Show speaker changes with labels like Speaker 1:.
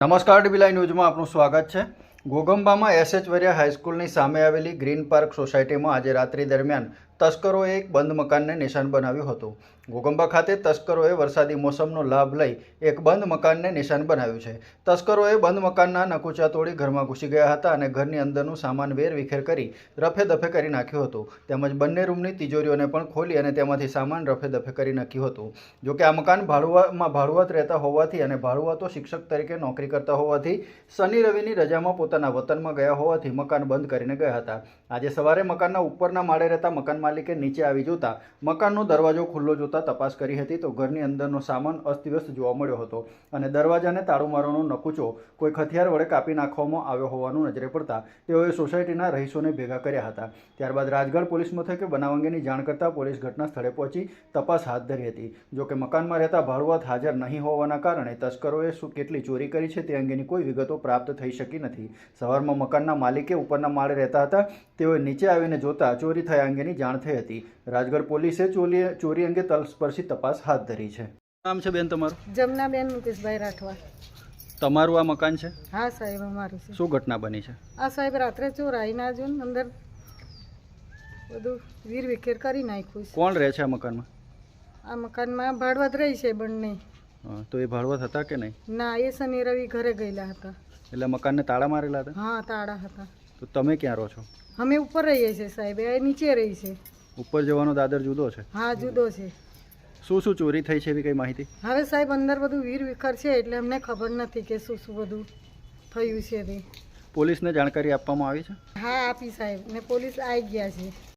Speaker 1: નમસ્કાર dB live ન્યૂઝમાં આપનું સ્વાગત છે। ઘોઘંબામાં એસએચ વરિયા હાઈસ્કૂલની સામે આવેલી ગ્રીન પાર્ક સોસાયટીમાં આજે રાત્રિ દરમિયાન તસ્કરોએ એક બંધ મકાનને નિશાન બનાવ્યું હતું। ઘોઘંબા ખાતે તસ્કરોએ વરસાદી મોસમનો લાભ લઈ એક બંધ મકાનને નિશાન બનાવ્યું છે। તસ્કરોએ બંધ મકાનના નકુચા તોડી ઘરમાં ઘૂસી ગયા હતા અને ઘરની અંદરનું સામાન વેરવિખેર કરી રફે દફે કરી નાખ્યું હતું। તેમજ બંને રૂમની તિજોરીઓને પણ ખોલી અને તેમાંથી સામાન રફે દફે કરી નાખ્યું હતું। જોકે આ મકાન ભાડુઆત રહેતા હોવાથી અને ભાડુઆતો શિક્ષક તરીકે નોકરી કરતા હોવાથી શનિ રવિની રજામાં પોતાના વતનમાં ગયા હોવાથી મકાન બંધ કરીને ગયા હતા। આજે સવારે મકાનના ઉપરના માળે રહેતા મકાન માલિકે નીચે આવી જોતા મકાનનો દરવાજો ખુલ્લો જોતા તપાસ કરી હતી તો ઘરની અંદરનો સામાન અસ્તવ્યસ્ત જોવા મળ્યો હતો અને દરવાજાને તાળું મારવાનો નકુચો કોઈ હથિયાર વડે કાપી નાખવામાં આવ્યો હોવાનું નજરે પડતા તેઓએ સોસાયટીના રહીશોને ભેગા કર્યા હતા। ત્યારબાદ રાજગઢ પોલીસ મથકે બનાવ અંગેની જાણ કરતા પોલીસ ઘટના સ્થળે પહોંચી તપાસ હાથ ધરી હતી। જોકે મકાનમાં રહેતા ભાડુઆત હાજર નહીં હોવાના કારણે તસ્કરોએ કેટલી ચોરી કરી છે તે અંગેની કોઈ વિગતો પ્રાપ્ત થઈ શકી નથી। સવારમાં મકાનના માલિકે ઉપરના માળે રહેતા હતા તેઓએ નીચે આવીને જોતા ચોરી થયા અંગેની જાણ થઈ હતી। રાજગઢ પોલીસે ચોરી અંગે તલસ્પર્શી તપાસ હાથ ધરી છે। નામ છે બેન તમારું?
Speaker 2: જમનાબેન મુકેશભાઈ રાઠવા।
Speaker 1: તમારું આ મકાન છે?
Speaker 2: હા સાહેબ, અમારું છે।
Speaker 1: શું ઘટના બની છે?
Speaker 2: આ સાહેબ રાત્રે ચોરાઈ ના જો અંદર બધું વીર વિખેર કરી નાખ્યું છે।
Speaker 1: કોણ રહે છે આ મકાનમાં?
Speaker 2: આ મકાનમાં ભાડવત રહી છે બંને।
Speaker 1: તો એ ભાડવત હતા કે નહીં?
Speaker 2: ના, એ શનિ રવિ ઘરે ગયેલા હતા।
Speaker 1: એટલે મકાનને તાળા મારેલા હતા?
Speaker 2: હા, તાળા હતા।
Speaker 1: તો તમે ક્યાં રહો છો?
Speaker 2: અમે ઉપર રહીએ છીએ સાહેબ, એ નીચે રહી છે।
Speaker 1: ઉપર જવાનો દાદર જુદો છે?
Speaker 2: હા, જુદો છે।
Speaker 1: શું શું ચોરી થઈ છે એવી કઈ માહિતી?
Speaker 2: હવે સાહેબ અંદર બધું વીર વિખર છે એટલે અમને ખબર નથી કે શું શું બધું થયું છે તે।
Speaker 1: પોલીસને જાણકારી આપવામાં આવી છે?
Speaker 2: હા, આપી સાહેબ, ને પોલીસ આવી ગયા છે।